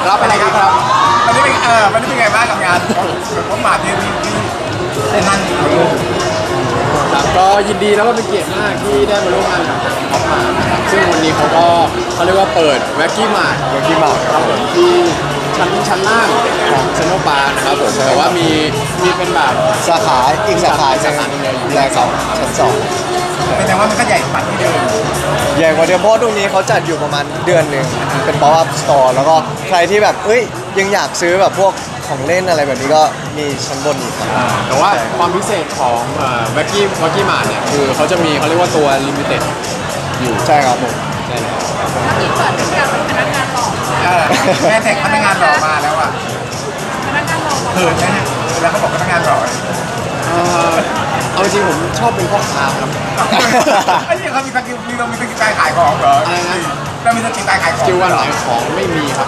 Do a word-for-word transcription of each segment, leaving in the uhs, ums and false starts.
รับอะไรดีครับวันนี้เป็นเออวันนี้เป็นไงบ้างกับงานผมมาที่ที่ที่เซนนันครับก็ยินดีแล้วก็เป็นเกียรติมากที่ได้มาร่วมงานกับทางท็อปมานะครับซึ่งวันนี้เขาก็เขาเรียกว่าเปิดแว็กกี้มาร์ทแว็กกี้มาร์ทครับผมที่ชั้นชั้นล่างของเซนโนปานะครับผมแต่ว่ามีมีเป็นแบบสาขาอีกสาขาสาขาหนึ่งเลยอยู่แรกสองชั้นสองเป็นแต่ว่ามันก็ใหญ่กว่าที่เดิมใหญ่กว่าเดิมเพราะตรงนี้เขาจัดอยู่ประมาณเดือนหนึ่งเป็น pop up store แล้วก็ใครที่แบบเอ้ยยังอยากซื้อแบบพวกของเล่นอะไรแบบนี้ก็มีชั้นบนอีกครับแต่ว่าความพิเศษของแว็กกี้แว็กกี้มาร์ทเนี่ยคือเขาจะมีเขาเรียกว่าตัวลิมิเต็ดอยู่ใช่ครับผมใช่แล้วที่เปิดเป็นการเป็นพนักงานหล่อเออแม่แท็กพนักงานหล่อมาแล้วอ่ะพนักงานหล่อเขินไหมเนี่ยแล้วเขาบอกพนักงานหล่อเอ่อเอาจริงผมชอบเป็นพ่อค้าครับไอ้นี่เขามีสกิลมีเรามีสกิลการขายของเหรออะไรนะเรามีสกิลการขายของสกิลการขายของไม่มีครับ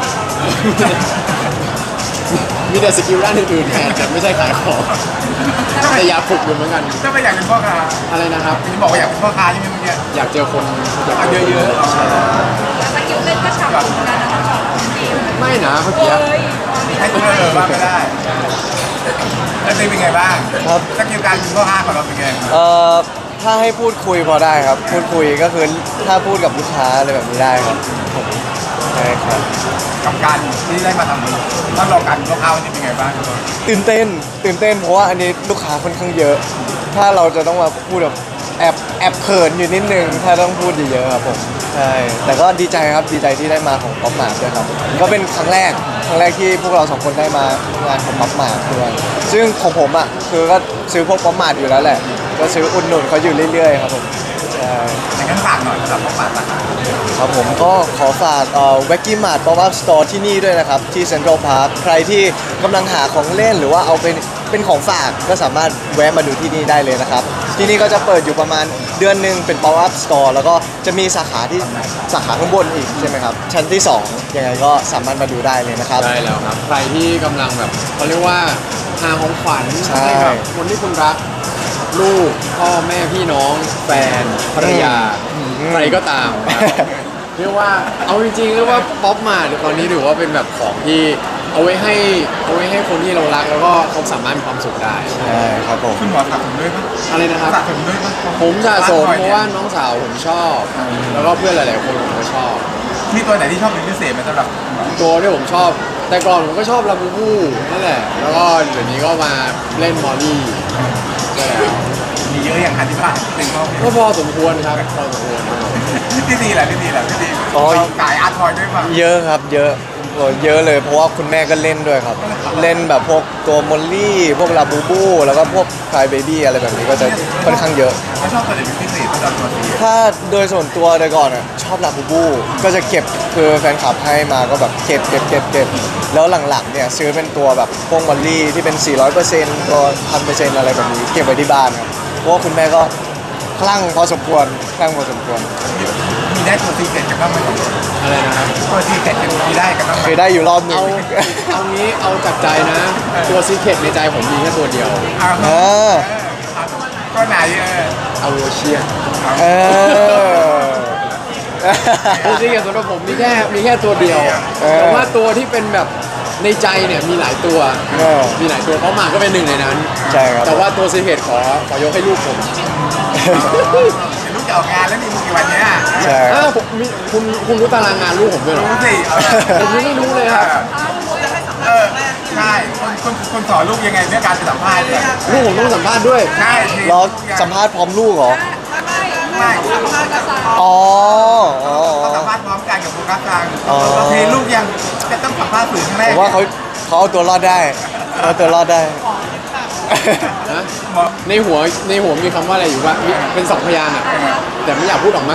มีแต่สกิลด้านอื่นๆแทนแต่ไม่ใช่ขายของแต่อยากฝึกอยู่เหมือนกันถ้าไม่อยากเป็นพ่อค้าอะไรนะครับจะบอกว่าอยากเป็นพ่อค้าใช่ไหมเมื่อกี้อยากเจอคนอยากเอาเจอเยอะๆใช่สกิลเล่นก็ฉ่ำเหมือนกันนะคะฉ่ำจริงไม่นะเมื่อกี้เฮ้ยให้ตัวเออว่าไม่ได้แล้วตีเป็นไงบ้างครับสกิลการเป็นพ่อค้าของเราเป็นไงเอ่อถ้าให้พูดคุยพอได้ครับ พูดคุยก็คือถ้าพูดกับลูกค้าอะไรแบบนี้ได้ครับผมใช่ครับกับการที่ได้มาทำต้องรอการเป็นพ่อค้าวันนี้เป็นไงบ้างตื่นเต้นตื่นเต้นเพราะว่าอันนี้ลูกค้าค่อนข้างเยอะ ถ้าเราจะต้องมาพูดแบบแอบแอบเขินอยู่นิดนึงถ้าต้องพูดเยอะๆครับผมใช่แต่ก็ดีใจครับดีใจที่ได้มาของป๊อปมาร์ทด้วยครับก็เป็นครั้งแรกครั้งแรกที่พวกเราสองคนได้มางานของป๊อปมาร์ทด้วยซึ่งของผมอ่ะคือก็ซื้อพวกป๊อปมาร์ทอยู่แล้วแหละก็ซื้ออุดหนุนเขาอยู่เรื่อยๆครับผมใช่อย่างนั้นฝากหน่อยสำหรับพ่อค้าสาขาครับผมก็ขอฝากเอ่อแว็กกี้มาร์ทป๊อปอัพสโตร์ที่นี่ด้วยนะครับที่เซ็นทรัลพาร์คใครที่กำลังหาของเล่นหรือว่าเอาเป็นเป็นของฝากก็สามารถแวะมาดูที่นี่ได้เลยนะครับ ที่นี่ก็จะเปิดอยู่ประมาณเดือนหนึ่งเป็น pop up store แล้วก็จะมีสาขาที่สาขาข้างบนอีกใช่ไหมครับ ชั้นที่สองยังไงก็สามารถมาดูได้เลยนะครับได้แล้วครับ ใครที่กำลังแบบเขาเรียกว่าหาของขวัญใช่ให้กับคนที่คุณรัก ลูกพ่อแม่พี่น้อง แฟนภรรยา ใครก็ตามครับเรียกว่าเอาจริงๆเรียกว่าป๊อปมาตอนนี้ถือว่าเป็นแบบของที่เอาไว้ให้เอาไว้ให้คนที่เรารักแล้วก็เขาสามารถมีความสุขได้ใช่ครับผมคุณหมอสะสมด้วยปะอะไรนะครับสะสมด้วยปะผมสะสมบ้นเพนี่ยราะว่าน้องสาวผมชอบ แล้วก็เพื่อนหลาย ๆ คนผมก็ชอบมีตัวไหนที่ชอบเป็นพิเศษไหมสำหรับคุณหมอตัวที่ผมชอบ แต่ก่อนผมก็ชอบลาบูบูนั่นแหละ แล้วก็เดี๋ยวนี้ก็มาเล่นมอลลี่ใช่แล้วมีเยอะอย่างอธิบายหนึ่งข้อก็พอสมควรครับพอสมควรครับที่ดีแหละที่ดีแหละที่ดีอ๋อเราขายอาร์ตทอยด้วยป่ะเยอะครับเยอะโอ้เยอะเลยเพราะว่าคุณแม่ก็เล่นด้วยครับ เล่นแบบพวกตัวมอลลี่ พวกลาบูบู แล้วก็พวกคลายเบบี้อะไรแบบนี้ก็จะค่อนข้างเยอะเขาชอบตัวไหนเป็นพิเศษสำหรับตัวนี้ถ้าโดยส่วนตัวโดยก่อนอ่ะชอบลาบูบู ก็จะเก็บคือแฟนคลับให้มาก็แบบเก็บเก็บเก็บเก็บแล้วหลังๆเนี่ยซื้อเป็นตัวแบบพวกมอลลี่ที่เป็น สี่ร้อยเปอร์เซ็นต์ ตัว หนึ่งพันเปอร์เซ็นต์ อะไรแบบนี้เก็บไว้ที่บ้านครับเพราะว่าคุณแม่ก็คลั่งพอสมควรคลั่งพอสมควรมีได้ตัวซีเกตกันบ้างไหมอะไรนะครับตัวซีเกตกันมีได้กันบ้างไหมเคยได้อยู่รอบหนึ่เอางเอางี้เอาจากใจนะ ตัวซีเคร็ตในใจผมมีแค่ตัวเดียวอ่าเอเอออตัวไหนเออเอาโวเชียนเออตัวซีเคร็ตสำหรับผมมีแค่มีแค่ตัวเดียวเออแต่ว่าตัวที่เป็นแบบในใจเนี่ยมีหลายตัวเออมีหลายตัวเขามาก็เป็นหนึ่งในนั้นใช่ครับแต่ว่าตัวซีเคร็ตขอขอยกให้ลูกผมเดี๋ยวลูกจะออกงานแล้วมีมุกกี่วันเนี้ยใช่อ้าวผมมีคุณคุณรู้ตารางงานลูกผมด้วยเหรอรู้สิเออผมยังไม่รู้เลยครับเออใช่คนคนคนสอนลูกยังไงเรื่องการสัมภาษณ์เนี่ยลูกผมต้องสัมภาษณ์ด้วยใช่รอสัมภาษณ์พร้อมลูกเหรอไม่สัมภาษณ์กับสาวอ๋ออ๋อเขาสัมภาษณ์พร้อมกันกับโฟกัสกลางอ๋อเราเทลูกยังจะต้องสัมภาษณ์สื่อครั้งแรผกมว่าเขาเขาเอาตัวรอดได้เขาเอาตัวรอดได้นะบอกในหัวในหัวมีคำว่าอะไรอยู่ว่ามีเป็นสองพยางค์อะแต่ไม่อยากพูดออกมา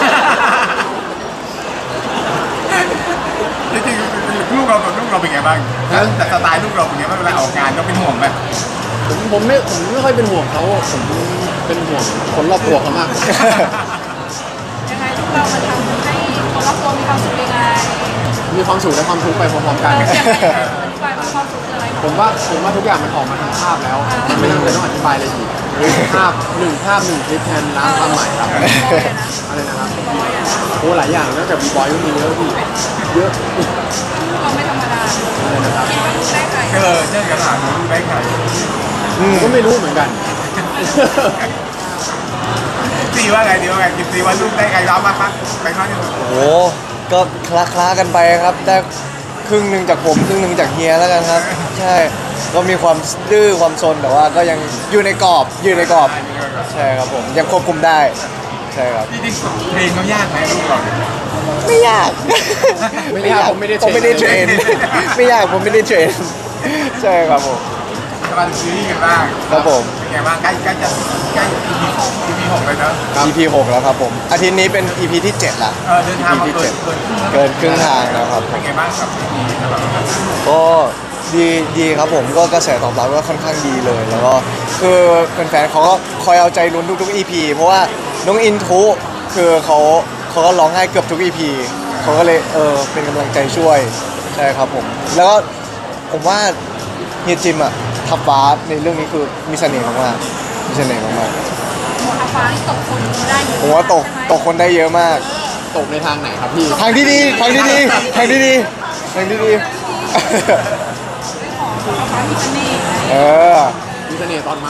จริงๆลูกเรากับลูกเราเป็นไงบ้างฮะแต่สไตล์ลูกเราเป็นไงบ้างเวลาออกงานเราเป็นห่วงไหมผมผมไม่ผมไม่ค่อยเป็นห่วงเขาผมเป็นห่วงคนรอบตัวเขามากกว่ายังไงทุกเรามันทำให้คนรอบตัวมีความสุขยังไงมีความสุขและความทุกข์ไปพร้อมๆกันเออยังไงอธิบายว่าความสุขคืออะไรผมว่าผมว่าทุกอย่างมันออกมาทางภาพแล้วมันไม่จำเป็นต้องอธิบายอะไรอีกภาพหนึ่งภาพหนึ่งคลิปแทนล้านความหมายครับอะไรนะครับโอ้หลายอย่างนอกจากบีบอยก็มีเยอะพี่เยอะเราไม่ธรรมดานะครับคิดว่าได้ใครเออเจอกันหลานรู้ได้ใครผมก็ไม่รู้เหมือนกันซีว่าไงดีว่าไงกินซีว่าลูกได้ใครรับมากมั้งไปมากที่สุดโอ้โหก็คลาคลาๆกันไปครับได้ครึ่งหนึ่งจากผมครึ่งหนึ่งจากเฮียแล้วกันครับ ใช่ก็มีความดื้อความซนแต่ว่าก็ยังอยู่ในกรอบอยู่ในกรอบใช่ครับผมยังควบคุมได้ใช่ครับจริงๆเพลงเขายากไหมลูกเราไม่ยากไม่ยากผมไม่ได้เทรนผมไม่ได้เทรน ไม่ยากผมไม่ได้เทรนใช่ครับผมจะมาถึงซีรีส์กันบ้างครับผมเป็นไงบ้างใกล้ใกล้จะใกล้ อี พี อี พี หกเลยเนอะอี พี หกแล้วครับผมอาทิตย์นี้เป็น อี พี ที่เจ็ดละเออเดินทางมาเกินเกินเกินครึ่งทางแล้วครับเป็นไงบ้างกับซีรีส์นะครับก็ดีดีครับผมก็กระแสตอบรับก็ค่อนข้างดีเลย แล้วก็คือแฟนๆเขาก็คอยเอาใจลุ้นทุกๆ อี พี เพราะว่าน้องอินทุคือเขาเขาก็ร้องไห้เกือบทุก อี พี เขาก็เลยเออเป็นกำลังใจช่วยใช่ครับผมแล้วก็ผมว่าเฮียจิมอะทับฟ้าในเรื่องนี้คือมีเสน่ห์มากๆมีเสน่ห์มากหมดอาฟ้าที่ตกคนได้เยอะๆผมว่าตกตกคนได้เยอะมากตกในทางไหนครับพี่ทางที่ดีทางที่ดีทางที่ดีทางที่ดีของอาฟ้ามีเสน่ห์เออมีเสน่ห์ตอนเมา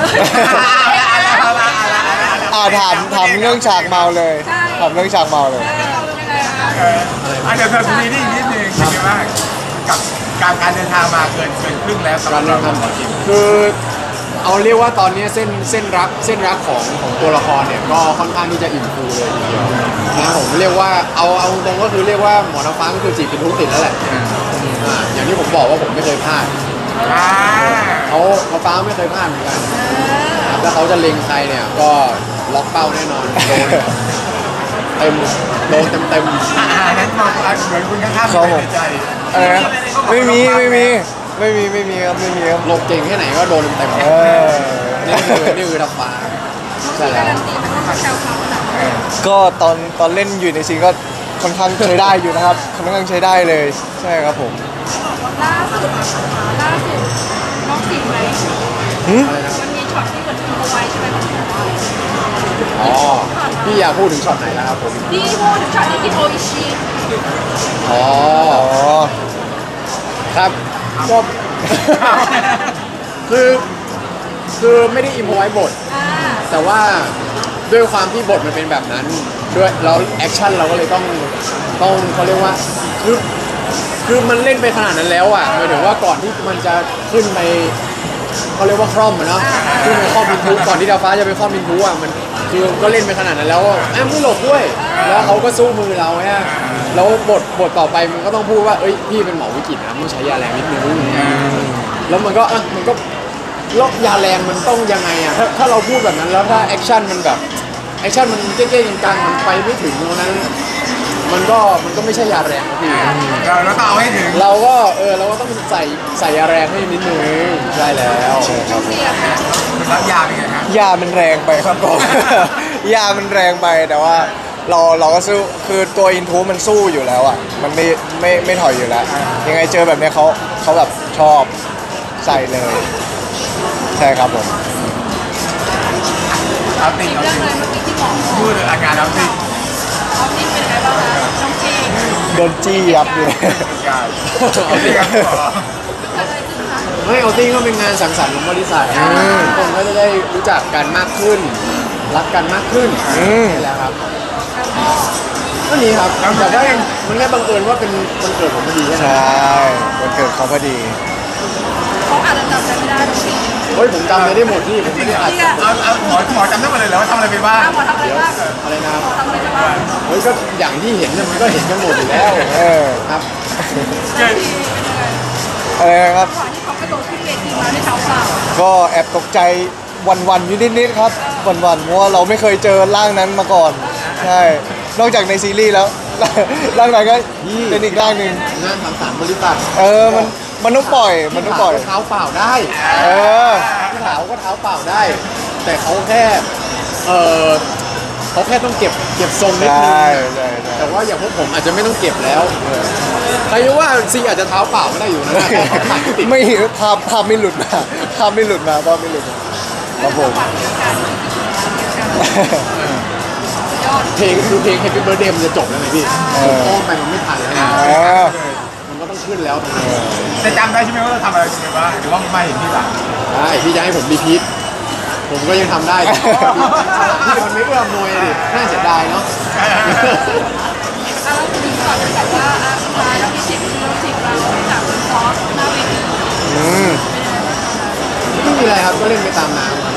อ่าถามถามเรื่องฉากเมาเลยถามเรื่องฉากเมาเลยเราเป็นยังไงคะเอออ่ะเดี๋ยวเธอซีรีส์นิดนึงเป็นไงบ้างกับการการเดินทางมาเกินเกินครึ่งแล้วสำหการรับเดิเรานทางคือเอาเรียกว่าตอนนี้เส้นเส้นรักเส้นรักของของตัวละครเนี่ยก็ค่อนข้างที่จะอิ่มฟูเลยทีเดียวนะผมเรียกว่าเอาเอาตรงก็คือเรียกว่าหมอน้ำฟ้าก็คือจีบเป็นทุกติดแล้วแหละอ่าอย่างที่ผมบอกว่าผมไม่เคยพลาดอ่าเขาเขาฟ้าไม่เคยพลาดเหมือนกันครับถ้าเขาจะเล็งใครเนี่ยก็ล็อกเป้าแน่นอนโดนเต็มโดนเต็มเต็มอ่าอันนั้นมองเหมือนคุณข้างๆครับผมในใจอะไรนะไม่มีไม่มีไม่มีไม่มีครับไม่มีครับหลบเก่งแค่ไหนก็โดนเต็มเออนี่คือนี่คือทับฟ้าใช่แล้กาว รันตีมันต้องแซวเขาหนักก็ตอนตอนเล่นอยู่ในซีนก็ค่อนข้างใช้ได้อยู่นะครับค่อนข้างใช้ได้เลยใช่ครับผมล่าสุดล่าสุดน้องสิงไหมหึมันมีช็อตที่เหมือนทิ้งเอาไว้ใช่ไหมของเราอ๋อพี่อยากพูดถึงช็อตไหนแล้วครับผมที่พูดถึงช็อตที่กินโออิชิอ๋ออ๋อครับก็ คือคือไม่ได้อิมพอไว้บทอ่าแต่ว่าด้วยความที่บทมันเป็นแบบนั้นด้วยแล้วแอคชั่นเราก็เลยต้องต้องเขาเรียกว่าคือคือมันเล่นไปขนาดนั้นแล้วอ่ะหมายถึงว่าก่อนที่มันจะขึ้นไปเขาเรียกว่าคร่อมอะเนาะขึ้นไปคร่อมมินทุก่อนที่ดาวฟ้าจะไปคร่อมมินทุอ่ะมันคือก็เล่นไปขนาดนั้นแล้วอะแอมไม่หลบด้วย แล้วเขาก็สู้มือเราฮะแล้วบทบทต่อไปมันก็ต้องพูดว่าเอ้ยพี่เป็นหมอวิกฤตนะต้องใช้ยาแรงนิดนึงแล้วมันก็อ่ะมันก็แล้วยาแรงมันต้องยังไงอ่ะถ้าถ้าเราพูดแบบนั้นแล้วถ้าแอคชั่นมันแบบแอคชั่นมันเก๊ๆกลางๆมันไปไม่ถึงตรงนั้น มันก็มันก็ไม่ใช่ยาแรงนะพี่เราเราต้องเอาให้ถึงเราก็เออเราก็ต้องใส่ใส่ยาแรงให้นิดนึงใช่แล้วครับเสียค่ะรับยาเป็นไงครับยามันแรงไปครับผม ยามันแรงไปแต่ว่าเราเราก็สู้คือตัวอินทูมันสู้อยู่แล้วอ่ะมันไม่ไม่ไม่ถอยอยู่แล้ว ยังไงเจอแบบเนี้ยเขาเขาแบบชอบใส่เลย ใช่ครับผมเอาติ่งเอาเรื่องติ่งเลยเมื่อกี้ที่หมอพูดอาการเอาติ่งออฟฟิศเป็นไงบ้างคะน้องเจงโดนจี้ยับเลยการเอาติ่งครับหมอเกิดอะไรขึ้นคะไม่เอาติ้งก็เป็นงานสังสรรค์ของบริษัททุกคนก็จะได้รู้จักกันมากขึ้น รักกันมากขึ้นอืมนี่แหละครับแล้วก็ก็นี้ครับแต่ว่ามันแค่บังเอิญว่าเป็นวันเกิดผมพอดีแค่ใชนั้น่วันเกิดเขาพอดีเขาอาจจะจำอะไรไม่ได้น้องสิงเฮ้ยผมจำอะไรได้หมดที่ผมไม่ได้อัดเอาเอาหมอหมอจำได้หมดเลยเหรอว่าทำอะไรไปบ้างหมอทำอะไรบ้างอะไรนะครับหมอทำอะไรไปบ้างเฮ้ยก็อย่างที่เห็นเนี่ยมันก็เห็นกันหมดอยู่แล้วเออครับเกิดอะไรนะครับก่อนที่เขากระโดดขึ้นเวทีมาด้วยเท้าเปล่าก็แอบตกใจวันๆอยู่นิดๆครับวันๆเพราะว่าเราไม่เคยเจอร่างนั้นมาก่อน ใช่ นอกจากในซีรีส์แล้ว ร่างไหนก็เป็นอีกร่างหนึ่งงานสังสรรค์บริษัทเออมันมันต้องปล่อยมันต้องปล่อยก็เท้าเปล่าได้เออพี่ถาวก็เท้าเปล่าได้ แต่เขาแค่ เออเขาแค่ต้องเก็บเก็บทรงนิดนึงใช่ใช่ใช่แต่ว่าอย่างพวกผมอาจจะไม่ต้องเก็บแล้วใครรู้ว่าซีอาจจะเท้าเปล่าไม่ได้อยู่นะแค่เขาถ่ายไม่ติดไม่ภาพภาพไม่หลุดมาภาพไม่หลุดมาภาพไม่หลุดมาครับผมจังหวะเดียวกันยอดเพลงคือเพลง Happy Birthday มันจะจบแล้วไงพี่ผมอ้อมไปมันไม่ทันแล้วนะเออมันก็ต้องขึ้นแล้วตรงนี้จะจำได้ใช่ไหมว่าเราทำอะไรไปบ้างหรือว่าไม่เห็นที่หลังได้พี่จะให้ผมรีพีทผมก็ยังทำได้แต่พี่มันไม่เอื้อมหน่วยดิน่าเสียดายเนาะอ่ะเราคุยก่อนแบบว่าอ่ะสุดท้ายเรามีสิบเราสิบเราจากซอสหน้าเวทีอืมไม่มีอะไรครับก็เล่นไปตามน้ำครับ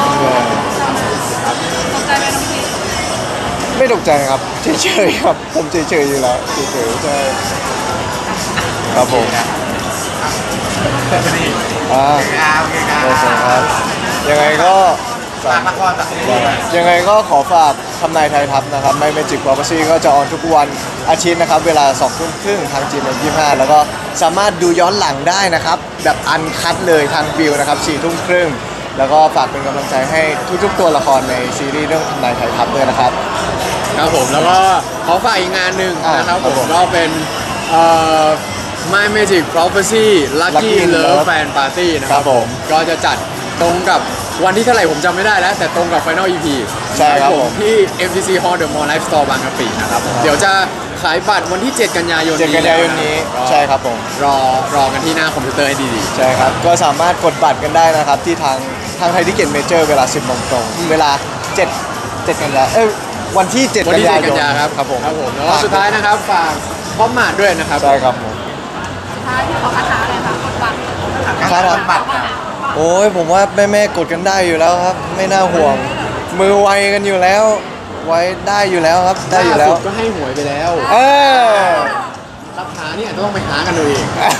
ตกใจไหมน้องพีไม่ตกใจครับเฉยๆครับผมเฉยๆอยู่แล้วเฉยๆใช่ครับผมแต่พอดีอ่าโอเคครับโอเคครัโอเคครับบยังไงก็ฝากละครจากซีรีส์ด้วยยังไงก็ขอฝากทำนายไทยทัพนะครับไม่เมจิก Prophecy ก็จะออนทุกวันอาทิตย์นะครับ เวลาสองทุ่มครึ่งทางจีเอ็มยี่ห้าแล้วก็สามารถดูย้อนหลังได้นะครับ แบบอันคัดเลยทางวิวนะครับสี่ทุ่มครึ่งแล้วก็ฝากเป็นกำลังใจให้ทุกๆตัวละครในซีรีส์เรื่องทำนายไทยทัพด้วยนะครับครับผมแล้วก็ขอฝากอีกงานหนึ่งอ่านะครับครัผบมผมก็เป็นเอ่อ My Magic Prophecy Lucky Lucky in Love Love Fan Party นะคครัรับบผมก็จะจัดตรงกับวันที่เท่าไหร่ผมจำไม่ได้แล้ว แต่ตรงกับ Final อี พีใช่ครับผมที่ เอ็ม ที ซี Hall The Mall Life Store บางกะปินะครับผมเดี๋ยวจะขายบัตรวันที่ เจ็ด กันยายนเจ็ดนี้กันยายนนี้แล้วะใช่ครับผมรอรอกันที่หน้าคอมพิวเตอร์ให้ดีใช่ครับ ก็สามารถกดบัตรกันได้นะครับ ที่ทางทางไทยทิเก็ตเมเจอร์เวลา สิบโมงตรง เวลาเจ็ด เจ็ดกันยาเอ้ยวันที่ เจ็ดๆวันกันที่ยาเจ็ดยกันนยาครับครับผมครับผมแล้วก็สุดท้ายนะครับฝากพร้อมมาดด้วยนะครับใช่ครับผมสุดท้ายที่ขอคาถาเลยค่ะกดบัตรครับการบัตรโอ้ยผมว่าแม่แม่ๆกดกันได้อยู่แล้วครับ ไม่น่าห่วง มือไวกันอยู่แล้ว ไว้ได้อยู่แล้วครับ ได้อยู่แล้วล่าสุดก็ให้หวยไปแล้วเออคาถาเนี่ยต้องไปหากันดูเอง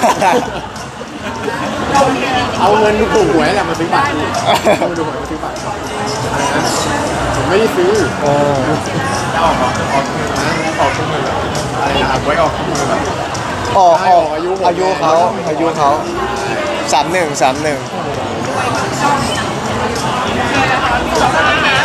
เอาเงินถูกหวยแหละมาซื้อบัตรนี่เอาเงินถูกหวยมาซื้อบัตรอะไรนะผมไม่ได้ซื้อเออจะออกออกออกมือนะออกทุกมือแบบอะไรนะครับไว้ออกทุกมือแบบออกออกอายุผมอายุเขาอายุเขาสามหนึ่งสามหนึ่งโอเคนะคะพี่ขอคาถา